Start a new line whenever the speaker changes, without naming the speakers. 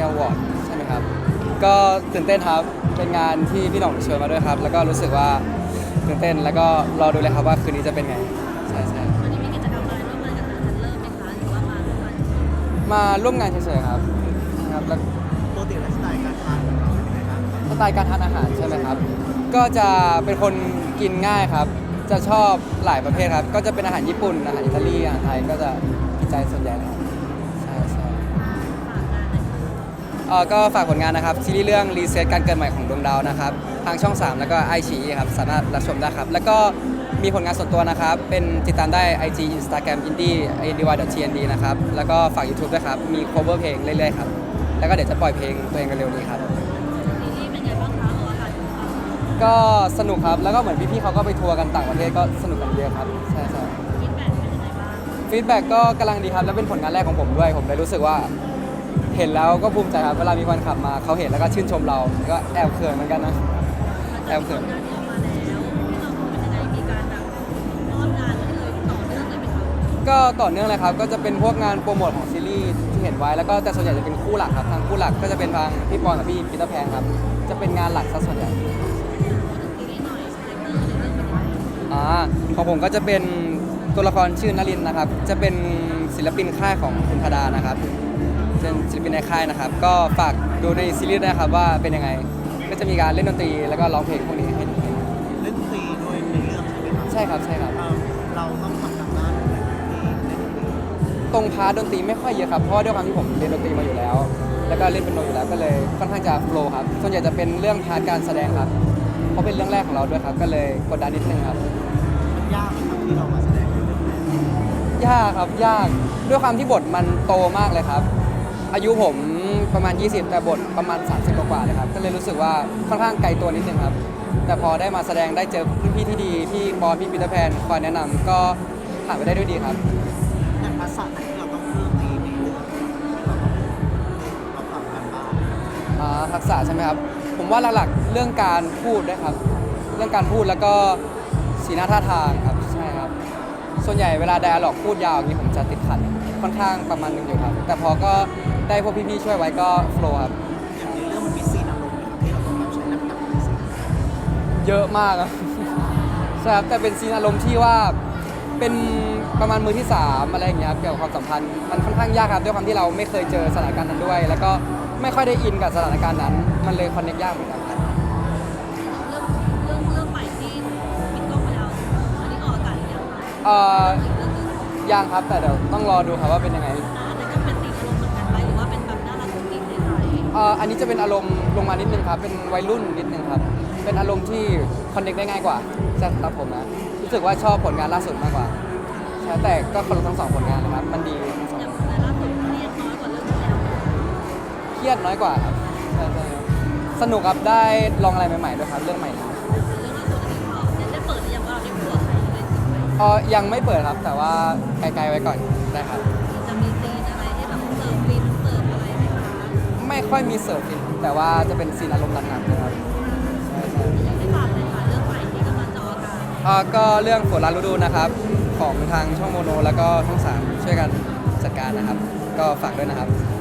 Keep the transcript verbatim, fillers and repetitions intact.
Media Award ใช่ไหมครับก็ตื่นเต้นครับเป็นงานที่พี่หน่องเชิญมาด้วยครับแล้วก็รู้สึกว่าตื่นเต้นแล้วก็รอดูเลยครับว่าคืนนี้จะเป็นไงใช่ใช่
วันนี้มีกิจกรรมอะไรร่วมงานกับทางทันเริ่มไหมคะหรือว่ามาร่วมงาน
มาร่วมงานเฉยๆครับครับแล้ว
ปกติไลฟ์สไตล์การทานของเราเป็นยังไงบ้างครับ
สไตล์การทานอาหารใช่ไหมครับก็จะเป็นคนกินง่ายครับจะชอบหลายประเภทครับก็จะเป็นอาหารญี่ปุ่นอาหารอิตาลีอาหารไทยก็จะกินใจส่วนใหญ่ครับใช่ใช่
ฝากงานหน่อยค่ะ
เอ่อก็ฝากผลงานนะครับซีรีส์เรื่องรีเซ็ตการเกิดใหม่ของดวงดาวนะครับทางช่องสามแล้วก็ไอชีครับสามารถรับชมได้ครับแล้วก็มีผลงานส่วนตัวนะครับเป็นติดตามได้ ไอ จี Instagram indie indy.tnd นะครับแล้วก็ฝาก YouTube ด้วยครับมี cover เพลงเรื่อยๆครับแล้วก็เดี๋ยวจะปล่อยเพลงตัวเองกันเร็วนี้ครับ
ซีรีส์เป็นไงบ้างคะออกอากาศอยู่ค่ะ
ก็สนุกครับแล้วก็เหมือนพี่ๆเขาก็ไปทัวร์กันต่างประเทศก็สนุกกันเยอะครับใช่ใช่
ฟีดแบ็กเป็นยังไงบ้าง
ฟีดแบ็กก็กำลังดีครับแล้วเป็นผลงานแรกของผมด้วยผมเลยรู้สึกว่าเห็นแล้วก็ภูมิใจครับเวลามีคนขับมาเขาเห็นแล้วก็ชื่นชมเราก็แอบเขินเหมือนกันนะ
หลังจากที่ผลงานนี้ออกมาแล้วพี่น้องเป็นยังไงมีการแบบมอบงานให้เลยต่อเนื่องเลยไหมคะ
ก็ต่อเนื่องเลยครับก็จะเป็นพวกงานโปรโมทของซีรีส์ที่เห็นไว้แล้วก็แต่ส่วนใหญ่จะเป็นคู่หลักครับทางคู่หลักก็จะเป็นทางพี่ปอนกับพี่ปีเตอร์แพนครับจะเป็นงานหลักซะส่วนใหญ่
พูดถึงซีรีส์หน่อยคาแรคเตอร์ในเรื่องเป็นยังไง
อ่าของผมก็จะเป็นตัวละครชื่อนลินนะครับจะเป็นศิลปินค่ายของคุณธดานะครับเป็นศิลปินในค่ายนะครับก็ฝากดูในซีรีส์ด้วยนะครับว่าเป็นยังไงก็จะมีการเล่นดนตรีแล้วก็ร้องเพลงพวกนี้ให้ดู
เล่นดนตรีด้วยในเรื่องใช่ไหมครับ
ใช่ครับใช่ครับ
เอ่อเราต้องทำการบ้านอะไรที่เล่นดนตรี
ตรงพาร์ทดนตรีไม่ค่อยเยอะครับเพราะว่าด้วยความที่ผมเรียนดนตรีมาอยู่แล้ว แล้วก็เล่นเป็นโนอยู่แล้วก็เลยค่อนข้างจะโฟล์ครับส่วนใหญ่จะเป็นเรื่องพาร์ทการแสดงครับเพราะเป็นเรื่องแรกของเราด้วยครับก็เลยกดดันนิดนึงครับ
มันยากไหมครับที่เรามาแสดงในเรื่องนี้
ยากครับยากด้วยความที่บทมันโตมากเลยครับ อายุผมประมาณ ยี่สิบ แต่บทประมาณ สามสิบ กว่าๆเลยครับก็เลยรู้สึกว่าค่อนข้างไกลตัวนิดนึงครับ แต่พอได้มาแสดงได้เจอพี่ๆที่ดีพี่ปอนพี่ปีเตอร์แพนคอยแนะนำก็ผ่านไปได้ด้วยดีครับ
อย่างภาษาไหนที่เราต้องเพิ่มในในเรื่องที่เราต้องเราทำการบ้าน
อ่าทักษะใช่ไหมครับผมว่าหลักๆเรื่องการพูดด้วยครับเรื่องการพูดแล้วก็สีหน้าท่าทางครับใช่ครับส่วนใหญ่เวลาไดอะล็อกพูดยาวอย่างนี้ผมจะติดขัดค่อนข้างประมาณหนึงอยู่ครับแต่พอก็ได้พวกพี่ๆช่วยไว้ก็โฟล์ครับ
อย่างในเรื่องมันมีซีนอารมณ์ไหมครับที่เราต้องแบบใช้น้ำหนักในซีน
เยอะมากครับ ใช่ครับแต่เป็นซีนอารมณ์ที่ว่าเป็นประมาณมือที่สามอะไรอย่างเงี้ยครับเกี่ยวกับความสัมพันธ์มันค่อนข้างยากครับด้วยความที่เราไม่เคยเจอสถานการณ์นั้นด้วย แล้วก็ไม่ค่อยได้อินกับสถานการณ์นั้น มันเลยคอนเนคยากเหมือนกันครับ
เรื่องเรื่องเรื่องใหม่ที่ปิดกล้องไปแล้วอันนี้ออกอากาศหรือยังคะ
เอ่อ
อีกเรื่องหนึง
ยังครับแต่เดี๋ยวต้องรอดูครับว่าเป็นยังไง
อ่าอันนั้นก็เป็นตีมอารมณ์เหมือนกันไหมหรือว่าเป็นแบบน่ารักกุ๊กกิ๊กใส
เอ่ออันนี้จะเป็นอารมณ์ลงมานิดนึงครับเป็นวัยรุ่นนิดนึงครับเป็นอารมณ์ที่คอนเนคได้ง่ายกว่าใช่ครับผมนะรู้สึกว่าชอบผลงานล่าสุดมากกว่าใช่แต่ก็เคารพทั้งสองผลงานนะครับมันดีทั้งส
ๆ
อง
อย่างในล่าสุดเครียดน้อยกว่าเรื่องที่แล้ว
เครียดน้อยกว่าครับใช่ใช่ครับสนุกครับได้ลองอะไรใหม่ๆด้วยครับเรื่องใหม่นี้
เรื่องล่าสุดอันนี้พอได้ได้เปิดหรือยังว่าเราได้พูดกับใครเลยจริงไหม
เออยังไม่เปิดครับแต่ว่าไกลๆไว้ก่อนได้ครับ
จะมีซีนอะไรให้แบบเสิร์ฟฟินเสิร์ฟอะไรไหมคะ
ไม่ค่อยมีเสิร์ฟจริงแต่ว่าจะเป็นซีนอารมณ์หนักๆนะครับใช่ใช่
อยากให้ฝากเลยค่ะเรื่องใหม่ที่กำลังจะออกอากาศ
เอ่อก็เรื่องฝนลาฤดูนะครับของทางช่องโมโนแล้วก็ช่องสามช่วยกันจัดการนะครับ ก็ฝากด้วยนะครับ